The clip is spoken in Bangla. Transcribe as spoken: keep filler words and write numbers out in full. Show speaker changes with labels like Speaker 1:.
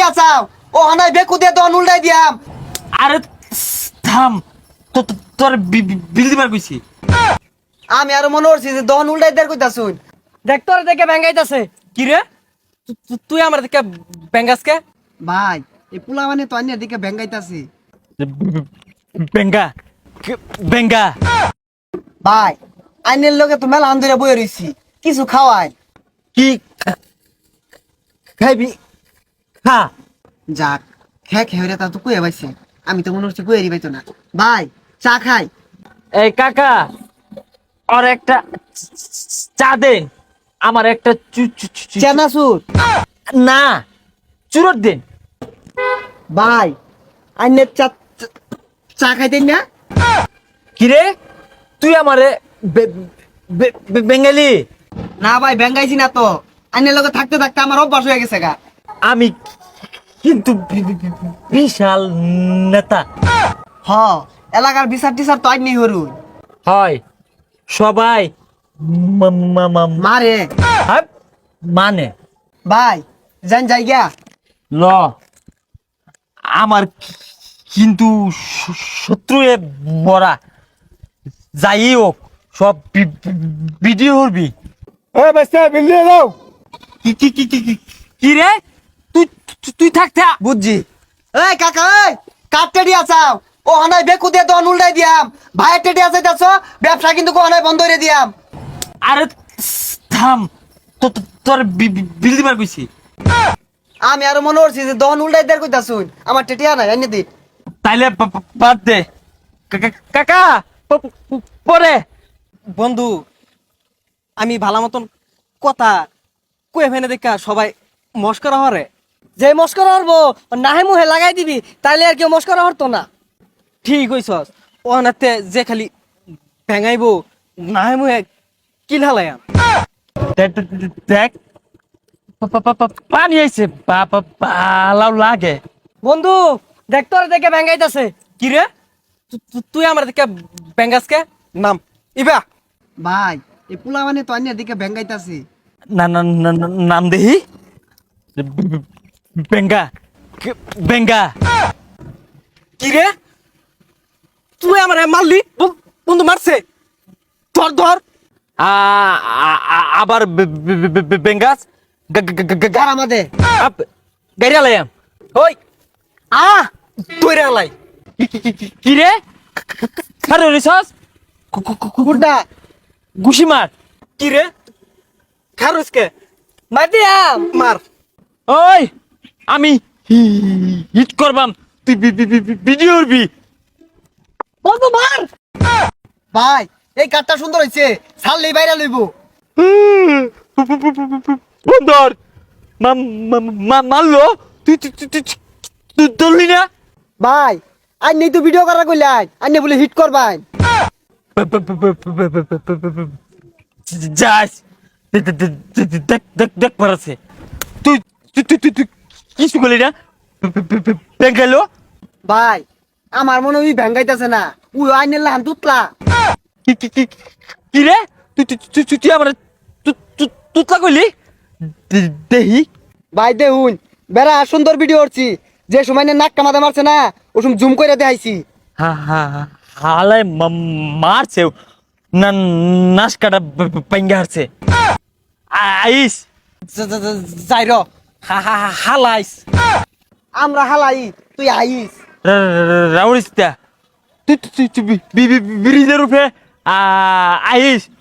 Speaker 1: চাও ও হানাই বেকু দিয়ে দন উল্টাই দিয়াম।
Speaker 2: আরে থাম, তো তো- তোর বি- বি- বিল দিবার কইছি।
Speaker 1: আমি আরো মনে করছি যে দন উল্টাই দেয়ার কইতাছুন।
Speaker 3: দেখ তোর দেখে ব্যাঙ্গাইতাছে। কি রে, তু- তু- তুই আমার দেখে ব্যাঙ্গাসকে?
Speaker 1: ভাই এই পোলা মানে তো আন্যার দিকে ব্যাঙ্গাইতাছি।
Speaker 2: বেঙ্গা কে- বেঙ্গা
Speaker 1: ভাই আইনের লোকে তো মেলা আন্দরে বয়ে রইছি, কিছু খাওয়াই।
Speaker 2: কি খা- খাইবি? খা।
Speaker 1: যাক খে খেয়ে তা তো কুয়ে পাইছে, আমি তো মনে হচ্ছে কুয়েরই পাইতো না। ভাই চা খাই।
Speaker 2: এই কাকা, আর একটা চ- চ- চা দেন, আমার একটা চু- চু- চু- চু-
Speaker 1: চেনাচুর।
Speaker 2: না, চুরোট দেন।
Speaker 1: ভাই আইনের চা চা- চা খাইতেন না?
Speaker 2: কিরে, তুই আমারে বে- বে- বে- বেঙ্গালি?
Speaker 1: না ভাই ব্যাঙ্গাইছি না তো, আইনের লোকে থাকতে থাকতে আমার অভ্যাস হয়ে গেছে গা।
Speaker 2: আমি কিন্তু বি- বি- বি- বিশাল নেতা।
Speaker 1: হ এলাকার বিচার টিচার তো আইনি হরুন
Speaker 2: হয় সবাই মা- মা- মা-
Speaker 1: মারে।
Speaker 2: হাপ, মানে
Speaker 1: ভাই যান জায়গা।
Speaker 2: ল, আমার কি- কিন্তু শ- শত্রু এ বড়া, যাই হোক সব বি- বি- ভিডিও করবি।
Speaker 4: এই বাচ্চা বিল দিয়ে দাও।
Speaker 2: কি কি কি কি কি- কি রে, তুই তুই- তুই থাকতে
Speaker 1: বুঝছি। এই কাকা এই কাঠ টেডিয়া চাও ও হানাই বেকু দিয়ে দন উল্টাই দিয়াম। ভাইয়ের টেডিয়া চাইতাছ, ব্যবসা কিন্তু কোহানায় বন্ধ করে দিয়াম।
Speaker 2: আরে থাম, তো তো- তোর বি- বি- বিল দিবার কইছি।
Speaker 1: আমি আরো মনে করছি যে দন উল্টাই দেয়ার কইতাছুন, আমার টেটিয়া নাই আইনে দি।
Speaker 2: তাইলে বা- বা- বাদ দে কাকা- কাকা, প- প- পরে
Speaker 3: বন্ধু, আমি ভালো মতন কথা কুয়ে ফেনে দেখা সবাই মস্করা হরে। যে মস্করা হরবো নাহে মুহে লাগাই দিবি, তাইলে আর কেউ মস্করা হরতো না। ঠিক হইছস, ও নাতে যে খালি ভেঙাইবো নাহে মুহে কিল হালায়াম।
Speaker 2: দেখ দেখ- দেখ- দেখ পা- পা- পা- পা- পানি আইছে, পা- পা- পালাও লাগে।
Speaker 3: বন্ধু দেখ তোর দেখে ব্যাঙ্গাইতাছে। কি রে, তু- তু- তুই আমার দেখে ব্যাঙ্গাসকে? নাম ইবা।
Speaker 1: ভাই এই পোলা মানে তো আইনের দিকে ব্যাঙ্গাইতাছি।
Speaker 2: না না না না- নাম দেহি বেঙ্গা কে- বেঙ্গা।
Speaker 3: কি রে, তুই আমার মারলি? বন- বন্ধু মারছে, ধর ধর।
Speaker 2: আ- আ- আ- আবার বে- বে- বে- বে- বেঙ্গাস গা- গা- গা- গা-
Speaker 1: গার আমাদের
Speaker 2: আপ- গাড়ি আলাইয়াম।
Speaker 3: ওই আ তুই রে লাই।
Speaker 2: কি রে, আরে রিসাস
Speaker 1: কুডা
Speaker 2: গুশি মার।
Speaker 3: কি রে, খারুসকে মার দিয়াম। মার।
Speaker 2: ওই আমি হি- হিট করবাম, তুই বি- বি- বি- বি- ভিডিও করবি।
Speaker 3: বন্ধু মার।
Speaker 1: ভাই এই কাঠটা সুন্দর হইছে, ছাড়লেই বাইরে লইব।
Speaker 2: বন্দর মারলো, তুই তুই- তুই- তুই- তুই ধরলি না?
Speaker 1: ভাই আইনে তো ভিডিও করা কইলাই, আইনে বলে হিট করবাই।
Speaker 2: যাস, দে- দে- দে- দে- দে- দেখ দেখ দেখ পারাছে। তুই তুই তুই তুই তুই কিছু করলি না? বেঙ্গালো
Speaker 1: ভাই আমার মনে হয় ভেঙ্গাইতেছে না, উই আইনের লাহান তুতলা।
Speaker 2: কি কি কি কি রে, তুই তুই তুই তুই তুই আমার তুতলা কইলি? দে- দেহি
Speaker 1: ভাই দেখুন বেড়া সুন্দর ভিডিও করছি, যে সময় না নাক কামাতে মারছে না ও সময় জুম করে দেখাইছি।
Speaker 2: হা হা হা হালাই মারছে না, নাশ কাটা পাইঙ্গা হারছে। আইস
Speaker 3: যাই র হা হা হা হালাইস।
Speaker 1: আমরা হালাই তুই আইস।
Speaker 2: রাউরিস্তা, তুই তুই তুই ব্রিজের উপরে আইস।